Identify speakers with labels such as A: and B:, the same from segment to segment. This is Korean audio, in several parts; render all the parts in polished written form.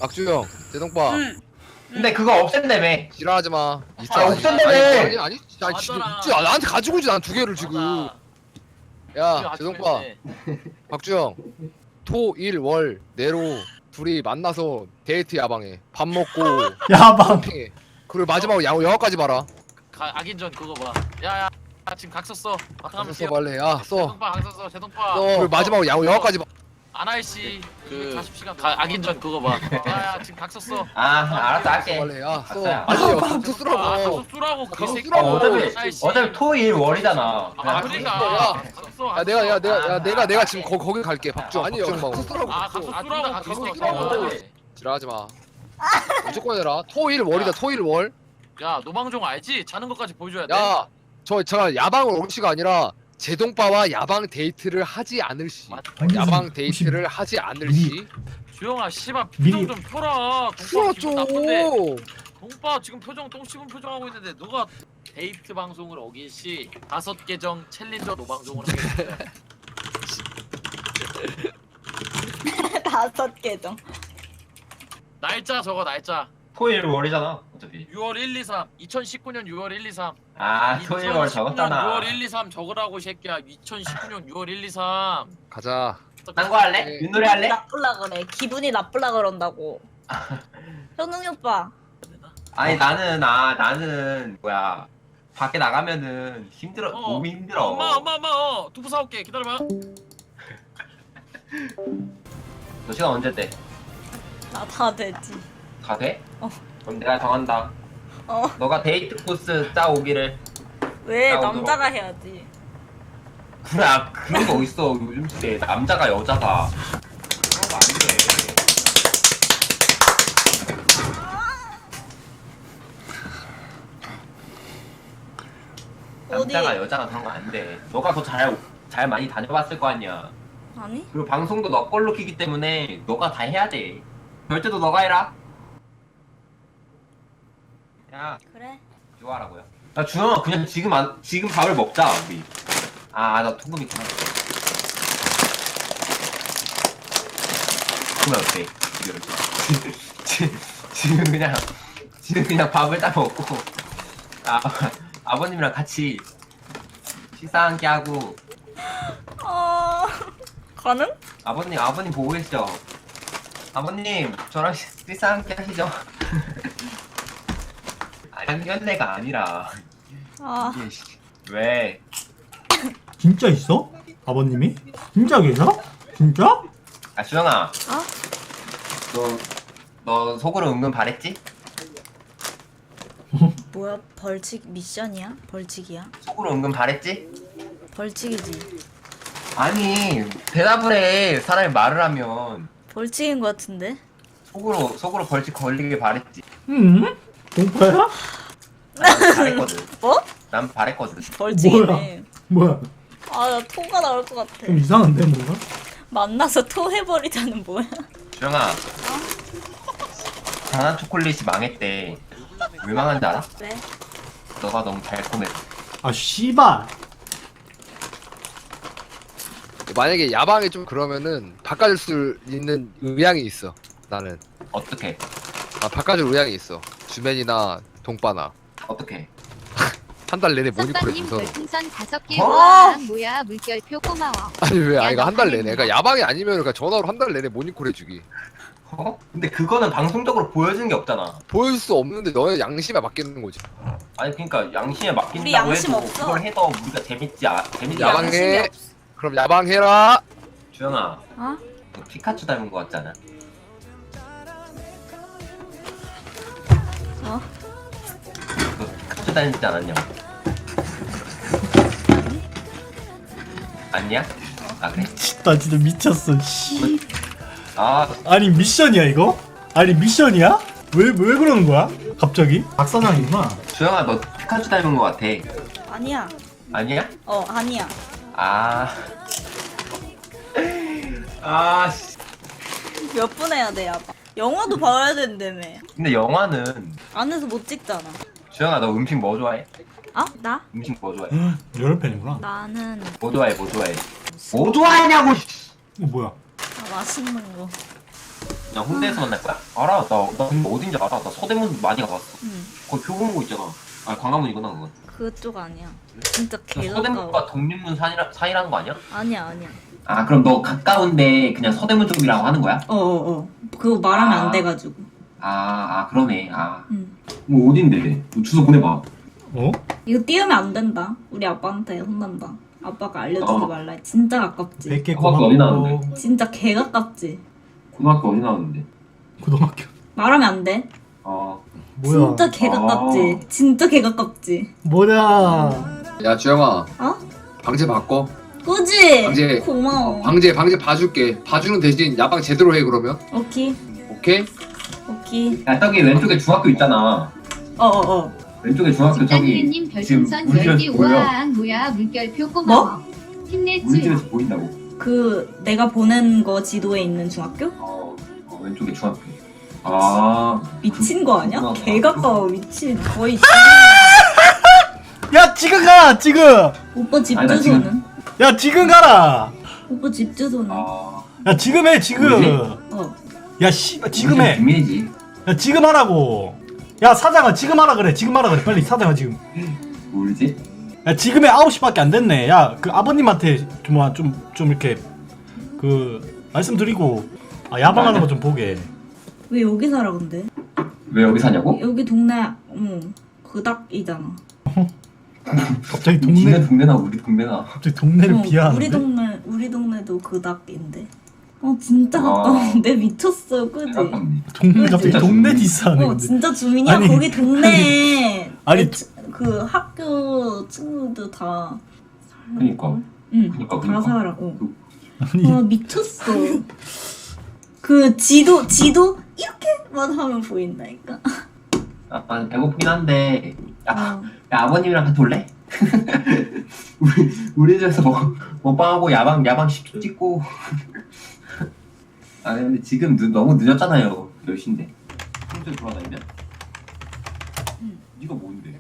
A: 악주형, 제동빠.
B: 근데 그거 없앤다며.
A: 지랄하지 마.
B: 아, 없앤다며.
A: 아니, 지금
C: 맞잖아.
A: 있지. 나한테 가지고 있지. 난 두 개를 지금.
C: 맞아.
A: 야, 제동빠, 박주형. 토, 일, 월 내로 둘이 만나서 데이트 야방해. 밥 먹고
D: 야방.
A: 쇼핑해. 그리고 마지막으로 영화까지 봐라.
C: 악인전 그거 봐. 야야 지금 각 썼어. 바탕화면
A: 써 빨래. 야, 써.
C: 제동파 각 썼어. 제동파.
A: 그리고 마지막으로 영화까지 봐.
C: 아나이씨 그 40시간 악인전 그거 봐. 야야 지금 각 썼어.
B: 알았어
A: 써
B: 할게.
A: 빨래. 야, 써.
B: 알았어요.
A: 아니, 각서
C: 각서
A: 쓰라고.
C: 쓰라고 그
A: 각서
C: 새끼.
A: 쓰라고.
B: 어차피 토일 월이잖아.
C: 그러니까.
A: 내가 지금 거기 갈게. 박주영. 아니, 각서 쓰라고.
C: 각서 쓰라고 각서
A: 쓰라고. 지랄하지 마. 무조건 해라. 토일 월이다. 토일 월.
C: 야 노방종 알지? 자는 것까지 보여줘야 돼.
A: 야, 제가 야방을 올 시가 아니라 제동빠와 야방 데이트를 하지 않을 시. 야방 데이트를 하지 않을 시.
C: 주영아 씨발
D: 미리-
C: 표정 좀 펴라. 동빠
A: 풀어
C: 기분 나쁜데.
A: 줘.
C: 동빠 지금 표정 똥 씹은 표정 하고 있는데 누가 데이트 방송을 어긴 시 5계정 챌린저 노방종을 하겠어.
E: 5계정.
C: 날짜 적어 날짜.
B: 토일 월이잖아. 어차피.
C: 6월 1, 2, 3. 2019년 6월 1, 2, 3.
B: 토일 월 적었잖아.
C: 6월 1, 2, 3 적으라고 이 새끼야. 2019년 6월 1, 2, 3.
A: 가자.
B: 딴 거 할래?
A: 네.
B: 윷놀이 할래?
E: 나쁠라 그래. 기분이 나쁠라 그런다고. 현웅이 오빠.
B: 아니 나는 뭐야 밖에 나가면은 힘들어. 몸이 힘들어.
C: 엄마 두부 사올게. 기다려봐.
B: 너 시간 언제 돼?
E: 나 다 되지.
B: 다 돼?
E: 어.
B: 그럼 내가 정한다.
E: 어.
B: 너가 데이트 코스 짜오기를.
E: 왜
B: 나
E: 남자가 해야지.
B: 그래 그런 거 어딨어 요즘 시대에 남자가 여자가 그런 거 아닌데.
E: 어디?
B: 남자가 여자가 그런 거 안 돼. 너가 더 잘 많이 다녀봤을 거 아니야.
E: 아니?
B: 그리고 방송도 너 걸로 키기 때문에 너가 다 해야 돼. 결제도 너가 해라. 야,
E: 그래.
B: 좋아라고요. 야, 주영아 그냥 지금 밥을 먹자 우리. 나 통금 있구나. 그러면 어때? 지금 그냥 밥을 딱 먹고 아버님이랑 같이 식사 함께 하고.
E: 가능?
B: 아버님 보고 계시죠? 아버님 저랑 식사 함께 하시죠? 상견례가 아니라 이게 왜?
D: 진짜 있어? 아버님이? 진짜 계셔? 진짜?
B: 주영아 너 속으로 은근 바랬지?
E: 뭐야? 벌칙 미션이야? 벌칙이야?
B: 속으로 은근 바랬지?
E: 벌칙이지.
B: 아니 대답을 해. 사람이 말을 하면
E: 벌칙인 것 같은데?
B: 속으로 벌칙 걸리길 바랬지.
D: 응? 공파야?
B: 난 바랬거든.
E: 뭐?
B: 난 바랬거든.
E: 벌칙이네.
D: 뭐야?
E: 아, 나 토가 나올 것 같아.
D: 좀 이상한데 뭔가?
E: 만나서 토해버리자는 뭐야?
B: 주영아 단한 초콜릿이 망했대. 왜 망한지 알아?
E: 왜?
B: 너가 너무 달콤해서.
D: 아 씨발.
A: 만약에 야방이 좀 그러면은 바꿔줄 수 있는 의향이 있어. 나는.
B: 어떻게?
A: 바꿔줄 의향이 있어. 주맨이나 동빠나.
B: 어떻게?
A: 한 달 내내 모니콜에
F: 선빵님
A: 서로.
F: 별풍선 5개
B: 어?
F: 우와 뭐야 물결표 고마워.
A: 아니 왜? 이거 한 달 내내.
F: 야방입니다.
A: 그러니까 야방이 아니면 그러니까 전화로 한 달 내내 모니콜 해주기.
B: 어? 근데 그거는 방송적으로 보여주는 게 없잖아.
A: 보일 수 없는데 너의 양심에 맡기는 거지.
B: 아니 그러니까 양심에
E: 우리
B: 맡긴다고
E: 양심
B: 해도
E: 없어.
B: 그걸 해도 우리가 재밌지 재밌지
A: 야방-
B: 않아.
E: 양심이
A: 야방해.
E: 없어.
A: 그럼 야방해라.
B: 주영아
E: 어?
B: 너 피카츄 닮은 거 같잖아.
E: 어?
B: 너 피카츄 닮지 않았냐? 아니야? 그래?
D: 나 진짜 미쳤어. 씨.
B: 아
D: 아니 미션이야 이거? 아니 미션이야? 왜 그러는 거야? 갑자기? 박사장이구나.
B: 주영아 너 피카츄 닮은 거 같아.
E: 아니야.
B: 아니야?
E: 아니야.
B: 씨.
E: 몇 분 해야 돼, 야방? 영화도 봐야 된다며.
B: 근데 영화는
E: 안에서 못 찍잖아.
B: 주영아 너 음식 뭐 좋아해?
E: 나?
B: 음식 뭐 좋아해?
D: 여러 팬이구나.
E: 나는
B: 뭐 좋아해? 뭐 좋아해? 뭐 좋아하냐고!
D: 이거 뭐야?
E: 맛있는 거.
B: 그냥 홍대에서 만날 거야? 알아. 나 근데 어딘지 알아. 나 서대문 많이 가봤어.
E: 응.
B: 거기 표고문고 있잖아. 아 광화문이구나 그건.
E: 그쪽 아니야. 진짜 개
B: 서대문과
E: 가까워.
B: 독립문 사이라는 거 아니야?
E: 아니야.
B: 아 그럼 너 가까운데 그냥 서대문 쪽이라고 하는 거야?
G: 어어어. 그거 말하면
B: 아.
G: 안 돼가지고.
B: 그러네.
G: 응.
B: 뭐 어딘데? 너 주소 보내봐.
D: 어?
G: 이거 띄우면 안 된다. 우리 아빠한테 혼난다. 아빠가 알려주지
B: 어.
G: 말라. 진짜 가깝지.
D: 100개
B: 고맙고 어디
D: 고맙고.
B: 나왔는데?
G: 진짜 개 가깝지.
B: 고등학교 어디 나왔는데?
D: 고등학교.
G: 말하면 안 돼.
B: 어.
D: 뭐야?
G: 진짜 개 가깝지. 진짜 개 가깝지.
D: 뭐야?
A: 야 주영아.
G: 어?
A: 방제 바꿔.
G: 그지?
A: 방제.
G: 고마워.
A: 방제 봐줄게. 봐주는 대신 야방 제대로 해 그러면.
G: 오케이.
A: 오케이?
G: 오케이.
B: 야 저기 왼쪽에 중학교 있잖아.
G: 어어어.
B: 왼쪽에 중학교 저기
F: 집단일님
B: 지금
F: 별풍선
B: 우리
F: 10개
B: 집에서 보여.
F: 우와 뭐야 물결표 고마워.
B: 우리
F: 힘내지.
B: 집에서 보인다고.
G: 그 내가 보낸 거 지도에 있는 중학교?
B: 왼쪽에 중학교. 아.
G: 미친 거 아니야?
B: 그렇구나.
G: 개 가까워. 미친. 거의.
D: 야 지금 가 지금.
G: 오빠 집
B: 아니, 나
G: 주소는?
D: 야 지금 가라.
G: 오빠 집 주소는?
D: 야 지금 해 지금.
B: 뭐지?
G: 어.
D: 야 지금 해.
B: 비밀이지.
D: 야 지금 하라고. 야 사장아 지금 하라 그래. 지금 하라 그래. 빨리 사장아 지금.
B: 모르지?
D: 야 지금에 9시밖에 안 됐네. 야 그 아버님한테 좀 이렇게 그 말씀드리고 야방하는 거 좀 보게.
G: 왜 여기 살아 근데?
B: 왜 여기 사냐고?
G: 여기 동네 그닥이잖아.
D: 갑자기
B: 니네 동네나 우리 동네나.
D: 갑자기 동네를 비하하는데.
G: 우리 동네도 그닥인데. 진짜
B: 아.
G: 가까운데 미쳤어, 그지?
D: 갑자기
B: 진짜
D: 동네
B: 좋네.
D: 디스하네. 근데.
G: 진짜 주민이야.
D: 아니.
G: 거기 동네에
D: 아니.
G: 그 학교 친구들 다.
B: 그니까.
G: 응.
B: 그니까,
G: 다
B: 그니까.
G: 살아.
D: 아니
G: 미쳤어. 그 지도 이렇게만 하면 보인다니까.
B: 아 배고프긴 한데. 야
G: 어.
B: 아버님이랑 같이 올래? 우리 집에서 먹방하고 야방 10초 찍고. 근데 지금 너무 늦었잖아요. 10시인데. 평소에 돌아다니면? 네가 뭔데?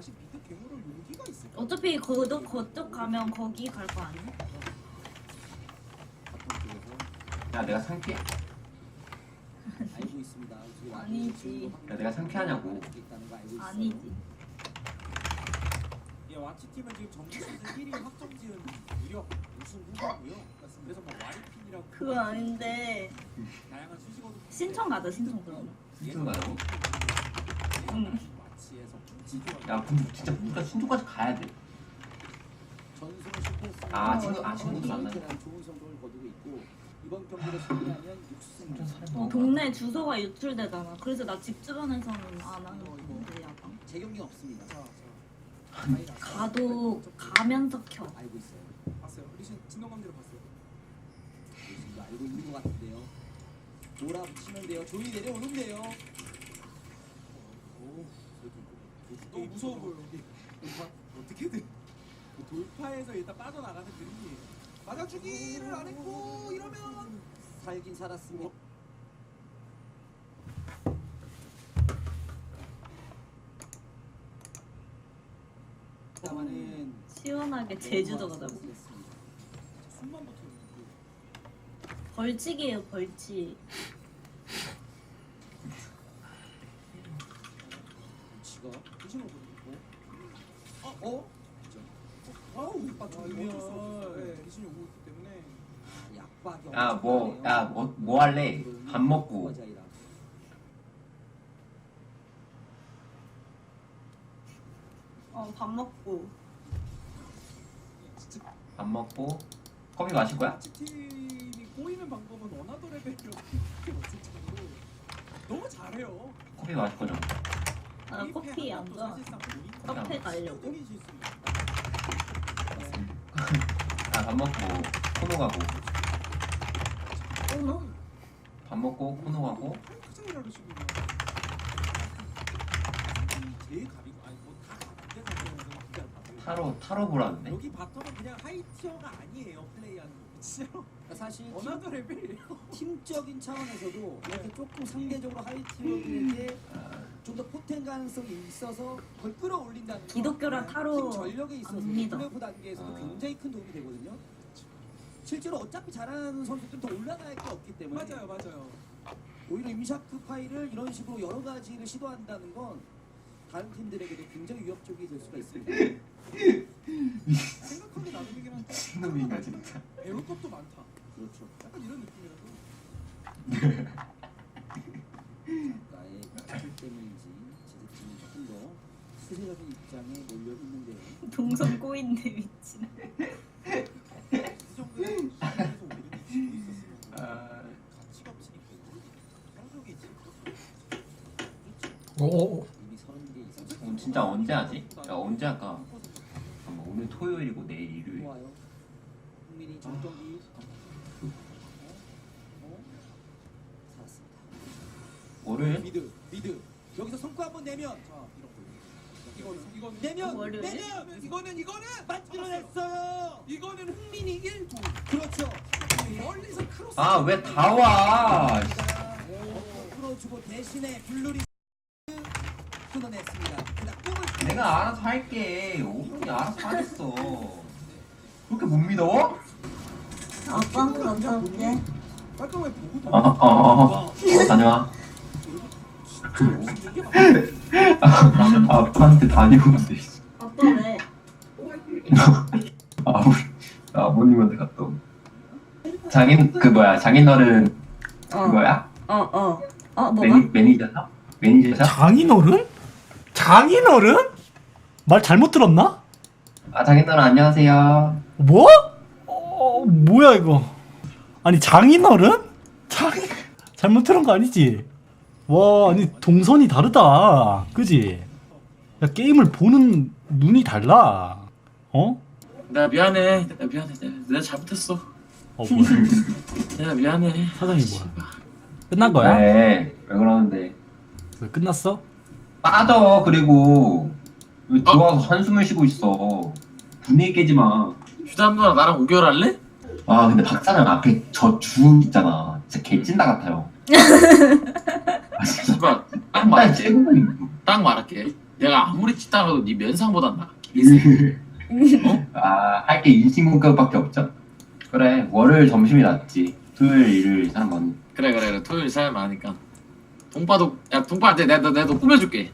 G: 어차피 그쪽 가면 거기 갈 거 아니야?
B: 야 내가 상쾌?
H: 알고 있습니다.
G: 아니지.
B: 야 내가 상쾌하냐고.
G: 아니지.
H: 예, 와치팀은 지금 정규 시즌 1위 확정 지은 무려 우승 후보고요. 그래서 뭐 와리핀이라고
G: 그거 아닌데
H: 다양한 수식어도
G: 신청 가자 신청 그럼.
B: 무슨 말이야?
G: 응.
H: 와치에서 지조
B: 야 근데 진짜 우리가 신촌까지 가야 돼.
H: 전승을 실패했습니다.
B: 친구도 만나요.
H: 좋은 성적을 거두고 있고 이번 경기를 승리하면 6승.
G: 동네 주소가 유출되잖아. 그래서 나 집 주변에서는 안 하는 건데 야방.
H: 재경기는 없습니다.
G: 가도 가면서 켜.
H: 알고 있어요. 봤어요. 리신 진동감대로 봤어요. 리신도 알고 있는 것 같은데요. 몰아붙이면 돼요. 조이 내려오는데요. 너무 무서워 보여 여기. 어떻게든 돌파해서 일단 빠져나가는 그림이 맞아주기를 안 했고 이러면 살긴 살았습니다. 다만은
G: 시원하게 제주도 가자고.
H: 숨만 붙어.
G: 벌칙이에요 벌칙.
H: 지가 리신을 보고 와우 리신이 오고 있기 때문에 약박이
B: 뭐 할래? 밥 먹고.
G: 밥 먹고.
B: 밥 먹고 커피 마실 거야?
H: 팀이 꼬이는 방법은 어나더 레벨이라고 이렇게 없을 정도로 너무 잘해요.
B: 커피 마실 거죠?
G: 아 커피 안 좋아. 카페 가려고.
B: 밥 먹고 코노 가고.
G: 오너?
B: 밥 먹고 코노 가고.
H: 크장이라고 지금 제일 갑이고 아니 뭐다 갑인데
B: 타로 보라는데?
H: 여기 바텀은 그냥 하이티어가 아니에요 플레이하는 거 진짜로 사실 어나더 레벨이에요. 팀적인 차원에서도 이렇게 조금 상대적으로 하이티어들에게 좀 더 포텐 가능성이 있어서 그걸 끌어올린다는 거
G: 기독교랑 타로
H: 팀 전력에 있어서
G: 안 믿어.
H: 플레이오프 단계에서도 굉장히 큰 도움이 되거든요. 실제로 어차피 잘하는 선수들은 더 올라갈 게 없기 때문에 맞아요. 오히려 임샤크 파이를 이런 식으로 여러 가지를 시도한다는 건 다른 팀들에게도 굉장히 위협적이 될 수가 있습니다. 생각하기 나름이긴 한데
B: 신놈이가 진짜.
H: 배울 것도 많다. 그렇죠. 약간 이런 느낌이라서. 나의 길 때문인지 제작진은 조금 더 수세적인 입장에 몰려 있는데요.
E: 동선 꼬인데 미친.
H: 이 정도의 시간에서 오르는 지고 있었으면 가치가 없으니까 한국이지.
D: 오.
H: 이미 30개 이상.
B: 그럼 진짜 언제 하지? 야 언제 할까? 잠깐만, 오늘 토요일이고 내일 일요일.
H: 좋아요. 국민이 정경기. 살았습니다.
B: 월요일?
H: 미드. 여기서 성과 한번 내면. 이거는 내면
E: 월요일?
H: 이거는 만들어냈어요. 이거는 흥민이 1도. 그렇죠. 멀리서 크로스.
B: 아 왜 다 와?
H: 풀어주고 대신에 블루리 끊어냈습니다. 그냥 꿈을
B: 내가 알아서 할게. 오분이 알아서 하겠어. 그렇게 못 믿어?
E: 아빠한테 감사할게.
H: 깔끔하게 보고
B: 다녀와. 아빠한테 다녀오는데.
E: 아빠 왜?
B: 아버님한테 갔다 오. 장인어른 그거야?
E: 뭐가?
B: 매니저사? 매니저사?
D: 장인어른? 장인어른? 말 잘못 들었나?
B: 아 장인어른 안녕하세요.
D: 뭐? 뭐야 이거? 아니 장인어른? 잘못 들은 거 아니지? 와 아니 동선이 다르다 그지? 야 게임을 보는 눈이 달라 어?
C: 나 미안해. 내가 잘못했어.
D: 뭐야
C: 내가 미안해.
D: 사장이 뭐야 끝난 거야?
B: 왜 그러는데?
D: 왜 끝났어?
B: 빠져. 그리고 왜 들어와서 한숨을 쉬고 있어. 분위기 깨지 마.
C: 휴담 누나 나랑 5개월 할래?
B: 아 근데 박사장 앞에 저 주 있잖아. 진짜 개찐다 같아요. 아 진짜
C: 씨발 딱
B: 한
C: 말할게.
B: 째고
C: 딱 말할게. 내가 아무리 찌따가도 네 면상보단 나.
B: 할 게 인신공격밖에 없죠. 그래 월요일 점심이 낫지. 토요일 일요일 사람 많.
C: 그래. 토요일 사람 많으니까. 동빠도 야 동빠한테 내가 너 꾸며줄게.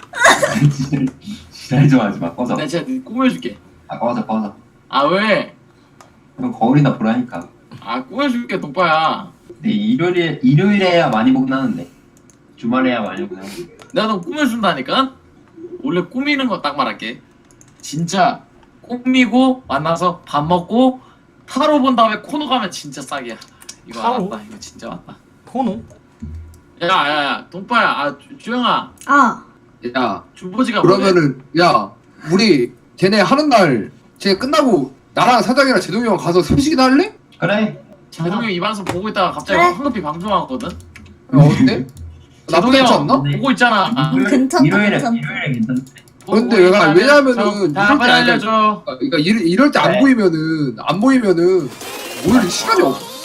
B: 지랄 좀 하지 마. 꺼져.
C: 내가 진짜 네 꾸며줄게.
B: 아 꺼져.
C: 아 왜?
B: 그럼 거울이나 보라니까.
C: 아 꾸며줄게 동빠야.
B: 근데 일요일에야 많이 보긴 하는데 주말에야 많이 보긴 하는데.
C: 내가 너 꾸며준다니까? 원래 꾸미는 거 딱 말할게. 진짜 꾸미고 만나서 밥 먹고 타로 본 다음에 코너 가면 진짜 싹이야. 이거
D: 타로?
C: 알았다. 이거 진짜 맞다.
D: 코노?
C: 야 동빠야. 아 주영아.
A: 야
C: 주보지가 뭐래?
A: 그러면은 야 우리 걔네 하는 날 쟤 끝나고 나랑 사장이랑 제동이 형 가서 삼식이나 할래?
B: 그래.
C: 제동이 이 방송 보고 있다가 갑자기
E: 그래?
C: 황급히 방송하거든?
A: 야, 어때? 나쁘지 않지 않나?
C: 보고 있잖아. 아,
E: 괜찮다,
B: 일요일에
E: 괜찮다.
B: 괜찮대.
A: 근데 왜냐면은
C: 자 빨리 알려줘.
A: 그러니까 이럴 때 안
B: 네.
A: 보이면은 오히려 시간이 없어.